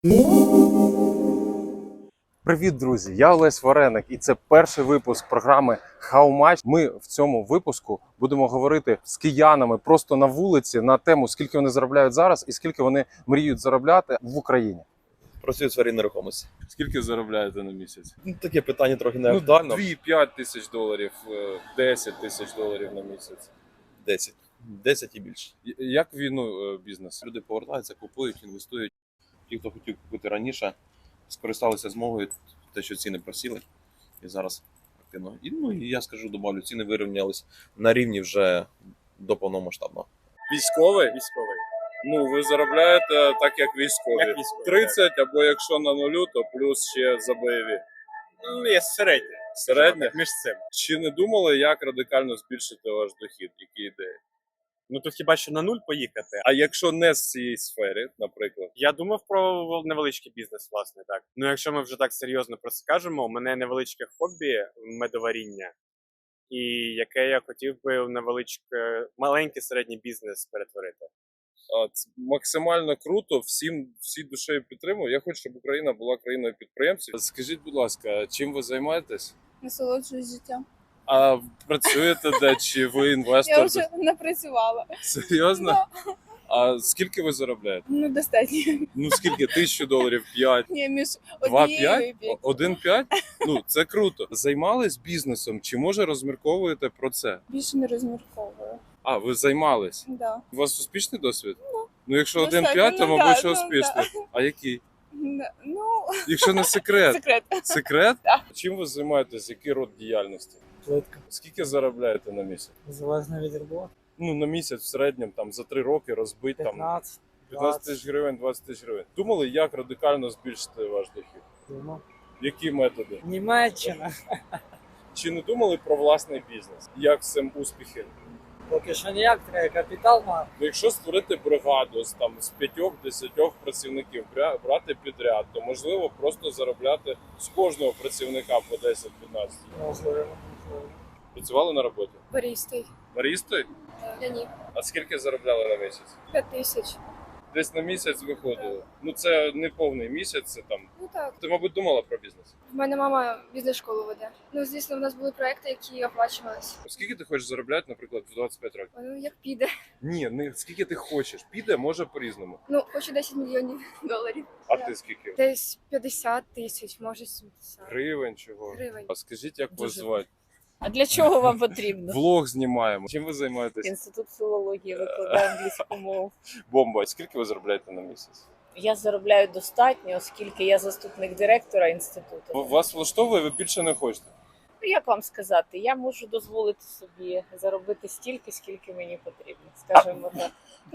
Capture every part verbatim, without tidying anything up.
Привіт, друзі! Я Олесь Вареник, і це перший випуск програми How Much. Ми в цьому випуску будемо говорити з киянами просто на вулиці на тему, скільки вони заробляють зараз і скільки вони мріють заробляти в Україні. Працюю в сфері нерухомості. Скільки заробляєте на місяць? Ну, таке питання трохи не Ну, актуально. дві-п'ять тисяч доларів, десять тисяч доларів на місяць. десять. десять і більше. Як війну бізнес? Люди повертаються, купують, інвестують. Ті, хто хотів купити раніше, скористалися змогою, те, що ціни просіли. І зараз активно. І, ну, і я скажу, добавлю, ціни вирівнялись на рівні вже до повномасштабного. Військовий? Військовий. Ну, ви заробляєте так, як військові. Як військові, тридцять, або якщо на нулю, то плюс ще за бойові. Ну, є середнє. Середнє? Між цим. Чи не думали, як радикально збільшити ваш дохід? Які ідеї? Ну тут хіба що на нуль поїхати. А якщо не з цієї сфери, наприклад? Я думав про невеличкий бізнес, власне, так. Ну, якщо ми вже так серйозно про це кажемо, у мене невеличке хобі медоваріння, і яке я хотів би в невеличке, маленький середній бізнес перетворити. А, це максимально круто, всім всі душею підтримую. Я хочу, щоб Україна була країною підприємців. Скажіть, будь ласка, чим ви займаєтесь? Насолоджуюсь життям. А працюєте де? Чи ви інвестор? Я вже не працювала. Серйозно? Да. А скільки ви заробляєте? Ну, достатньо. Ну скільки? Тисячу доларів, п'ять? Ні, між Два однією і п'ять? п'ять. Один п'ять? Ну, це круто. Займались бізнесом? Чи може розмірковуєте про це? Більше не розмірковую. А, ви займались? Да. У вас успішний досвід? Ну, ну якщо один достатньо, п'ять, то, ну, мабуть, да, що ну, успішний. А який? Да. Ну, Якщо не секрет. секрет. Секрет? Да. Чим ви займаєтесь? Який род діяльності? Плитка. Скільки заробляєте на місяць? Залежно від роботи. Ну, на місяць в середньому там за три роки розбить там п'ятнадцять, п'ятнадцять тисяч двадцять. гривень, двадцять тисяч гривень. Думали, як радикально збільшити ваш дохід? Думав. Які методи? Німеччина. Чи не думали про власний бізнес? Як з цим успіхи? Поки що ніяк, треба капітал мати. Ну, якщо створити бригаду з там з п'ятьох-десятьох працівників, бря- брати підряд, то можливо просто заробляти з кожного працівника по десять-п'ятнадцять. Можливо, можливо. Працювали на роботі? Барістий. Барістою? Я ні. А скільки заробляли на місяць? П'ять тисяч. Десь на місяць виходило. Ну це не повний місяць, це там. Ну так. Ти, мабуть, думала про бізнес. В мене мама бізнес-школу веде. Ну, звісно, в нас були проекти, які оплачувалися. Скільки ти хочеш заробляти, наприклад, в двадцять п'ять років? Ну, як піде. Ні, не скільки ти хочеш. Піде, може по-різному. Ну, хочу десять мільйонів доларів. А Да. ти скільки? Десь п'ятдесят тисяч, може сімдесят. Гривень чого? Гривень. А скажіть, як вас Дуже. звати? А для чого вам потрібно? Влог знімаємо. Чим ви займаєтесь? Інститут філології викладає англійську мову. Бомба. Скільки ви заробляєте на місяць? Я заробляю достатньо, оскільки я заступник директора інституту. Вас влаштовує, ви більше не хочете? Ну, як вам сказати, я можу дозволити собі заробити стільки, скільки мені потрібно, скажімо так.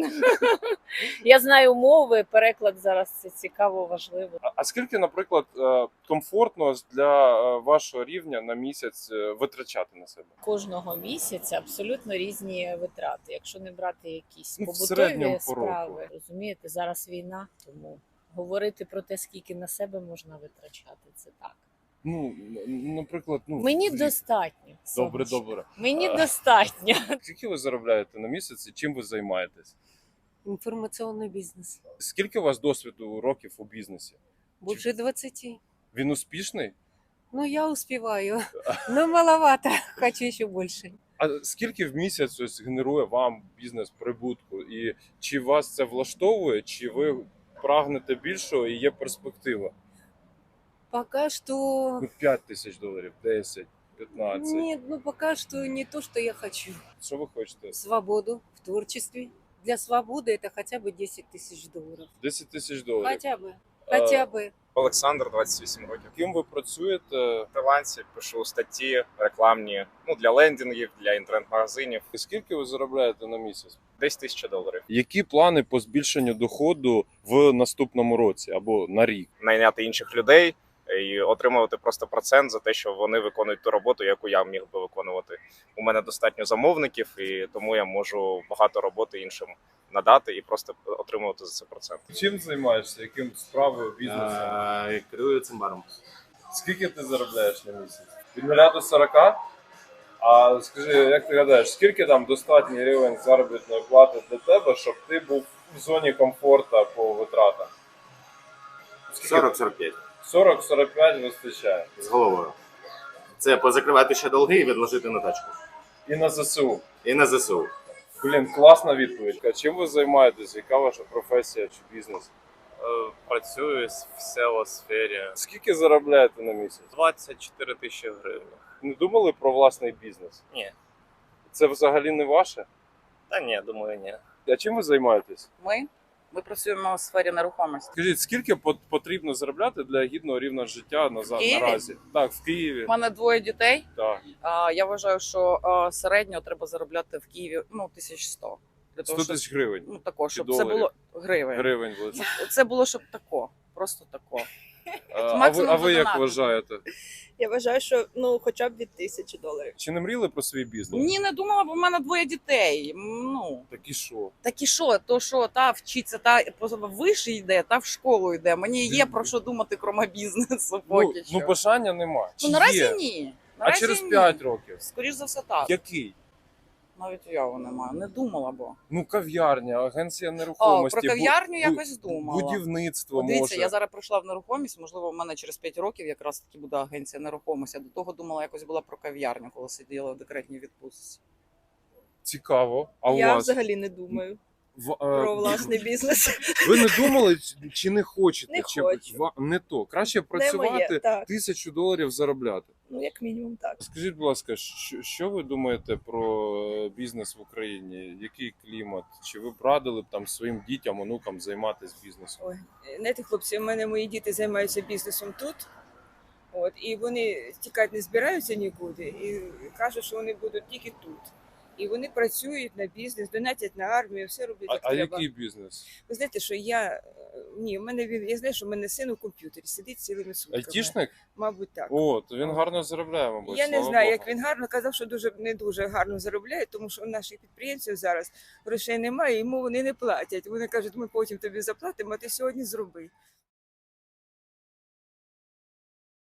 Я знаю мови, переклад зараз це цікаво, важливо. А- А скільки, наприклад, е, комфортно для е, вашого рівня на місяць е, витрачати на себе? Кожного місяця абсолютно різні витрати. Якщо не брати якісь Ну, в середньому побутові по року. справи, розумієте, зараз війна, тому говорити про те, скільки на себе можна витрачати, це так. Ну, н- наприклад, ну Мені в рік. достатньо. Добре, сонечко. добре. Мені А. достатньо. Скільки ви заробляєте на місяць і чим ви займаєтесь? Информационный бизнес. Скільки у вас досвіду років у бізнесі? Больше двадцати. Він успішний? Ну, я успеваю. Но маловато. Хочу еще больше. А скільки в місяць ось генерує вам бізнес прибутку? І чи вас це влаштовує, чи ви прагнете більшого і є перспектива? Пока что... Ну, п'ять тисяч доларів, десять, п'ятнадцять. Нет, ну пока что не то, что я хочу. Що ви хочете? Свободу в творчестве. Для свободы это хотя бы десять тысяч долларов. десять тисяч доларів. Хотя бы. Хотя бы. Олександр, двадцять вісім років. Ким ви працюєте? Фрилансі пишу статті рекламні, ну для лендингів, для інтернет-магазинів. І скільки ви заробляєте на місяць? Десь тисяча доларів. Які плани по збільшенню доходу в наступному році або на рік? Найняти інших людей і отримувати просто процент за те, що вони виконують ту роботу, яку я міг би виконувати. У мене достатньо замовників, і тому я можу багато роботи іншим надати і просто отримувати за це процент. Чим займаєшся? Яким справою, бізнесом? Керую цим баром. Скільки ти заробляєш на місяць? Від нуля до сорока? А скажи, як ти гадаєш, скільки там достатній рівень заробітної плати для тебе, щоб ти був в зоні комфорту по витратах? сорок сорок п'ять сорок сорок п'ять вистачає. з головою. Це позакривати ще долги і відложити на тачку. І на ЗСУ. І на ЗСУ. Блін, класна відповідь. А чим ви займаєтесь? Яка ваша професія чи бізнес? Працюю в село-сфері. Скільки заробляєте на місяць? двадцять чотири тисячі гривень. Не думали про власний бізнес? Ні. Це взагалі не ваше? Та ні, думаю, ні. А чим ви займаєтесь? Ми? Ми працюємо в сфері нерухомості. Скажіть, скільки пот- потрібно заробляти для гідного рівня життя на за- Києві? наразі? Так, в Києві. У мене двоє дітей. Так. А, я вважаю, що а, середньо треба заробляти в Києві ну, тисяч сто. Для сто того, щоб, тисяч гривень. ну, тако, щоб це доларів? було гривень. Гривень буде. Це було, щоб тако. Просто тако. А, а ви, максимум а ви як задонатити. вважаєте? Я вважаю, що ну хоча б від тисячі доларів. Чи не мріяли про свій бізнес? Ні, не думала, бо в мене двоє дітей. Ну, Так і що? так і що, то що, та вчиться, та вище йде, та в школу йде. Мені є про що думати, крім бізнесу Ну, поки що. ну бажання нема. Чи Ну, наразі є? ні. А Наразі через ні. п'ять років? Скоріш за все так. Який? Навіть уяви немає. Не думала, бо. Ну, кав'ярня, агенція О, нерухомості. про кав'ярню бу- якось думала. Будівництво От Дивіться, може. я зараз прийшла в нерухомість, можливо, в мене через п'ять років якраз таки буде агенція нерухомості. А до того думала, якось була про кав'ярню, коли сиділа в декретній відпустці. Цікаво. А у Я вас? взагалі не думаю В- е, про власний бізнес. Ви не думали чи- чи не хочете? Не чи хочу. ва- не то. Краще Не працювати, моє, так. тисячу доларів заробляти. Ну як мінімум так. Скажіть, будь ласка, що, що ви думаєте про е, бізнес в Україні? Який клімат? Чи ви б радили б там своїм дітям, онукам займатися бізнесом? Ой, знаєте, хлопці, у мене мої діти займаються бізнесом тут. От, і вони тікати не збираються нікуди і кажуть, що вони будуть тільки тут. І вони працюють на бізнес, донатять на армію, все роблять А, як а треба. який бізнес? Ви знаєте, що я е, ні, в мене він я знаю, що в мене син у комп'ютері сидить цілими сутками. Айтішник? Мабуть, так. О, то він гарно заробляє, мабуть. Я не слава знаю, Богу. як він гарно казав, що дуже не дуже гарно заробляє, тому що у наших підприємців зараз грошей немає, йому вони не платять. Вони кажуть, ми потім тобі заплатимо, а ти сьогодні зроби.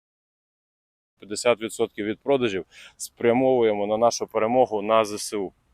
п'ятдесят відсотків від продажів спрямовуємо на нашу перемогу на ЗСУ.